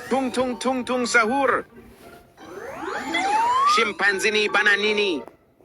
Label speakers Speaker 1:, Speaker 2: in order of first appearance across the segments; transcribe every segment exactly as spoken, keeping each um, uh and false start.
Speaker 1: Tung tung tung tung sahur. Şimpanzini bananini.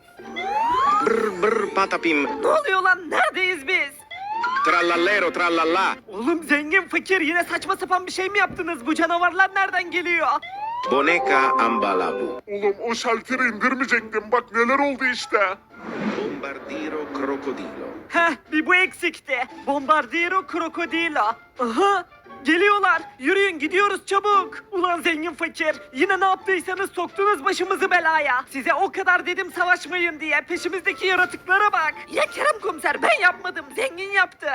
Speaker 1: Brr brr patapim.
Speaker 2: Ne oluyor lan? Neredeyiz biz?
Speaker 1: Trallallero trallalla.
Speaker 2: Oğlum zengin fakir yine saçma sapan bir şey mi yaptınız? Bu canavarlar nereden geliyor?
Speaker 1: Boneca ambalabu.
Speaker 3: Oğlum o şalteri indirmeyecektim. Bak neler oldu işte.
Speaker 1: Bombardiro crocodilo.
Speaker 2: Heh bir bu eksikti. Bombardiro krokodilo. Aha geliyorlar. Yürüyün gidiyoruz çabuk. Ulan zengin fakir. Yine ne yaptıysanız soktunuz başımızı belaya. Size o kadar dedim savaşmayın diye. Peşimizdeki yaratıklara bak. Ya Kerem komiser ben yapmadım. Zengin yaptı.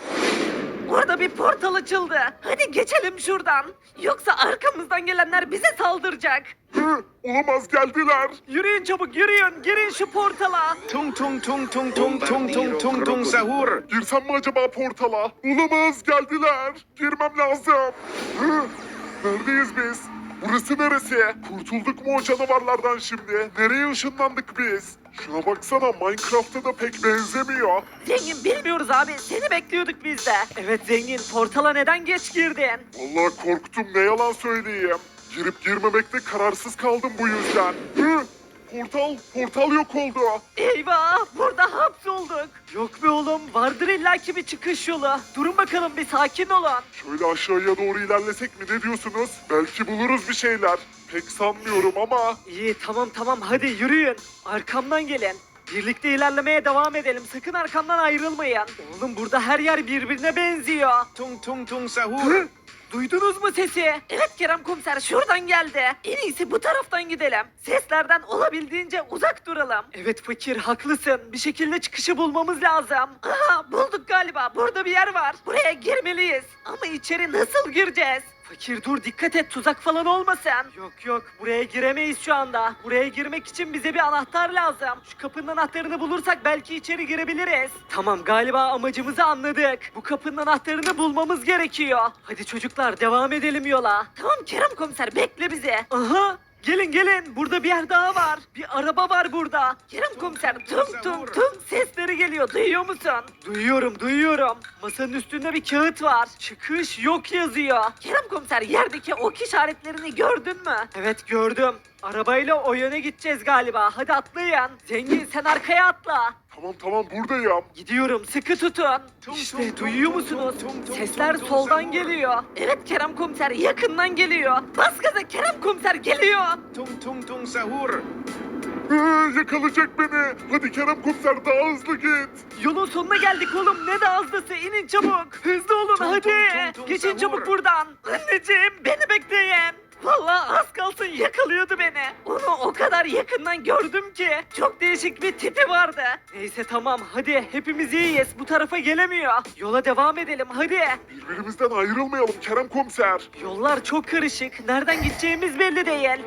Speaker 2: Orada bir portal açıldı. Hadi geçelim şuradan. Yoksa arkamızdan gelenler bize saldıracak.
Speaker 3: Hı, olamaz geldiler.
Speaker 2: Yürüyün çabuk yürüyün. Girin şu portala.
Speaker 1: Tung tung tung tung tung tung tung tung tung sahur.
Speaker 3: Girsem mi acaba portala? Olamaz geldiler. Girmem lazım. Hı, neredeyiz biz? Burası neresi? Kurtulduk mu o canavarlardan şimdi? Nereye ışınlandık biz? Şuna baksana Minecraft'a da pek benzemiyor.
Speaker 2: Zengin bilmiyoruz abi. Seni bekliyorduk biz de. Evet zengin portala neden geç girdin?
Speaker 3: Vallahi korktum ne yalan söyleyeyim. Girip girmemekte kararsız kaldım bu yüzden. Hı, portal, portal yok oldu.
Speaker 2: Eyvah burada hapsolduk. Yok be oğlum vardır illaki bir çıkış yolu. Durun bakalım bir sakin olun.
Speaker 3: Şöyle aşağıya doğru ilerlesek mi ne diyorsunuz? Belki buluruz bir şeyler. Pek sanmıyorum ama.
Speaker 2: İyi tamam tamam hadi yürüyün. Arkamdan gelin. Birlikte ilerlemeye devam edelim. Sakın arkamdan ayrılmayın. Oğlum burada her yer birbirine benziyor.
Speaker 1: Tung tung tung sahur.
Speaker 2: Hı? Duydunuz mu sesi? Evet Kerem komiser şuradan geldi. En iyisi bu taraftan gidelim. Seslerden olabildiğince uzak duralım. Evet fakir haklısın. Bir şekilde çıkışı bulmamız lazım. Aha bulduk galiba. Burada bir yer var. Buraya girmeliyiz. Ama içeri nasıl gireceğiz? Fakir dur dikkat et tuzak falan olmasın. Yok yok buraya giremeyiz şu anda. Buraya girmek için bize bir anahtar lazım. Şu kapının anahtarını bulursak belki içeri girebiliriz. Tamam galiba amacımızı anladık. Bu kapının anahtarını bulmamız gerekiyor. Hadi çocuklar devam edelim yola. Tamam Kerem komiser bekle bizi. Aha gelin gelin burada bir yer daha var. Bir araba var burada. Kerem komiser tum tum tum sesleri geliyor duyuyor musun? Duyuyorum duyuyorum. Masanın üstünde bir kağıt var. Çıkış yok yazıyor. Kerem komiser yerdeki ok işaretlerini gördün mü? Evet gördüm. Arabayla o yöne gideceğiz galiba. Hadi atlayın. Zengin sen arkaya atla.
Speaker 3: Tamam tamam buradayım.
Speaker 2: Gidiyorum sıkı tutun. İşte duyuyor musunuz? Sesler soldan geliyor. Evet Kerem komiser yakından geliyor. Bas gaza Kerem komiser geliyor.
Speaker 1: Tung tung tung sahur.
Speaker 3: Hı, yakalayacak beni. Hadi Kerem komiser daha hızlı git.
Speaker 2: Yolun sonuna geldik oğlum ne de hızlısı inin çabuk. Hızlı olun
Speaker 1: Tum,
Speaker 2: hadi.
Speaker 1: tum, tum, tum,
Speaker 2: Geçin
Speaker 1: savur.
Speaker 2: çabuk buradan. Anneciğim beni bekleyin. Vallahi az kalsın yakalıyordu beni. Onu o kadar yakından gördüm ki. Çok değişik bir tipi vardı. Neyse tamam hadi hepimiz iyiyiz. Bu tarafa gelemiyor. Yola devam edelim hadi.
Speaker 3: Birbirimizden ayrılmayalım Kerem komiser.
Speaker 2: Yollar çok karışık. Nereden gideceğimiz belli değil.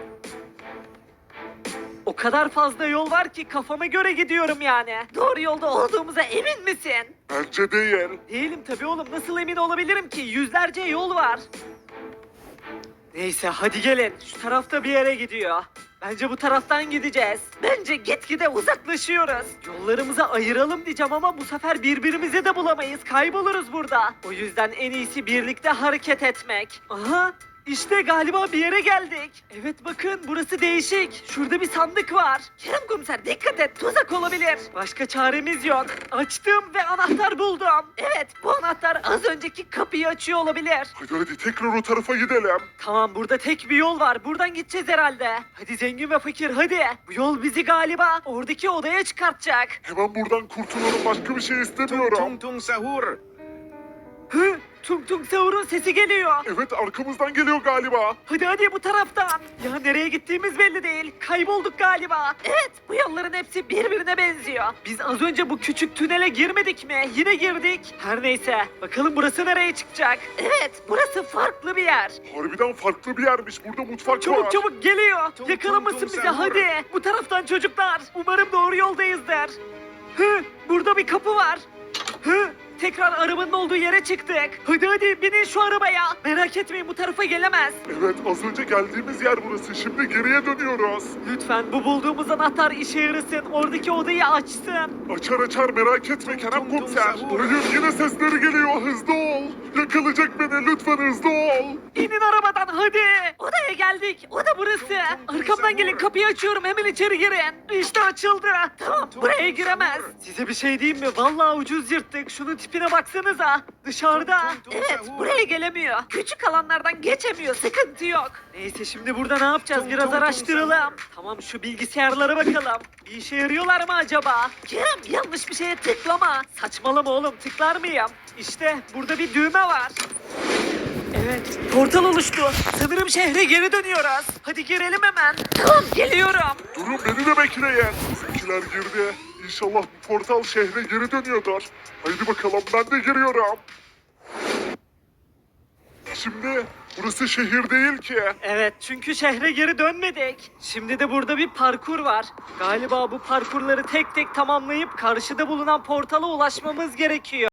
Speaker 2: O kadar fazla yol var ki kafama göre gidiyorum yani. Doğru yolda olduğumuza emin misin?
Speaker 3: Bence değil.
Speaker 2: Değilim tabii oğlum. Nasıl emin olabilirim ki? Yüzlerce yol var. Neyse hadi gelin. Şu tarafta bir yere gidiyor. Bence bu taraftan gideceğiz. Bence gitgide uzaklaşıyoruz. Yollarımızı ayıralım diyeceğim ama bu sefer birbirimizi de bulamayız. Kayboluruz burada. O yüzden en iyisi birlikte hareket etmek. Aha! İşte galiba bir yere geldik. Evet bakın burası değişik. Şurada bir sandık var. Kerem komiser dikkat et tuzak olabilir. Başka çaremiz yok. Açtım ve anahtar buldum. Evet bu anahtar az önceki kapıyı açıyor olabilir.
Speaker 3: Hadi hadi tekrar o tarafa gidelim.
Speaker 2: Tamam burada tek bir yol var. Buradan gideceğiz herhalde. Hadi zengin ve fakir hadi. Bu yol bizi galiba oradaki odaya çıkartacak.
Speaker 3: Hemen buradan kurtulalım başka bir şey
Speaker 1: Tung
Speaker 3: istemiyorum.
Speaker 1: tung tung sahur.
Speaker 2: Hı? Tung tung savurun sesi geliyor.
Speaker 3: Evet arkamızdan geliyor galiba.
Speaker 2: Hadi hadi bu taraftan. Ya nereye gittiğimiz belli değil. Kaybolduk galiba. Evet bu yolların hepsi birbirine benziyor. Biz az önce bu küçük tünele girmedik mi? Yine girdik. Her neyse. Bakalım burası nereye çıkacak? Evet burası farklı bir yer.
Speaker 3: Harbiden farklı bir yermiş. Burada mutfak var.
Speaker 2: Çabuk çabuk geliyor.
Speaker 1: Tum,
Speaker 2: Yakalamasın
Speaker 1: tum, tum,
Speaker 2: bizi
Speaker 1: sen vur.
Speaker 2: hadi. Bu taraftan çocuklar. Umarım doğru yoldayızdır. Hı, burada bir kapı var. Hı, tekrar arabanın olduğu yere çıktık. Hadi hadi binin şu arabaya. Merak etmeyin bu tarafa gelemez.
Speaker 3: Evet az önce geldiğimiz yer burası. Şimdi geriye dönüyoruz.
Speaker 2: Lütfen bu bulduğumuz anahtar işe yarasın. Oradaki odayı açsın.
Speaker 3: Açar açar merak etme Kerem
Speaker 1: tum, tum,
Speaker 3: komiser.
Speaker 1: sahur.
Speaker 3: Hayır yine sesleri geliyor. Hızlı ol. Yakalayacak beni lütfen hızlı ol.
Speaker 2: İnin arabadan hadi. Hadi. Odaya geldik. Oda burası. Arkamdan gelin, kapıyı açıyorum, hemen içeri girin. İşte açıldı. Tamam, buraya giremez. Size bir şey diyeyim mi? Vallahi ucuz yırttık. Şunun tipine baksanıza. Dışarıda. Evet, buraya gelemiyor. Küçük alanlardan geçemiyor. Sıkıntı yok. Neyse, şimdi burada ne yapacağız? Biraz araştıralım. Tamam, şu bilgisayarlara bakalım. Bir işe yarıyorlar mı acaba? Kerem, yanlış bir şeye tıklama. Saçmalama oğlum, tıklar mıyım? İşte burada bir düğme var. Evet, portal oluştu. Sanırım şehre geri dönüyoruz. Hadi girelim hemen. Tamam, geliyorum.
Speaker 3: Durun, beni de bekleyin. Bizimkiler girdi. İnşallah bu portal şehre geri dönüyordur. Haydi bakalım, ben de giriyorum. Şimdi burası şehir değil ki.
Speaker 2: Evet, çünkü şehre geri dönmedik. Şimdi de burada bir parkur var. Galiba bu parkurları tek tek tamamlayıp karşıda bulunan portala ulaşmamız gerekiyor.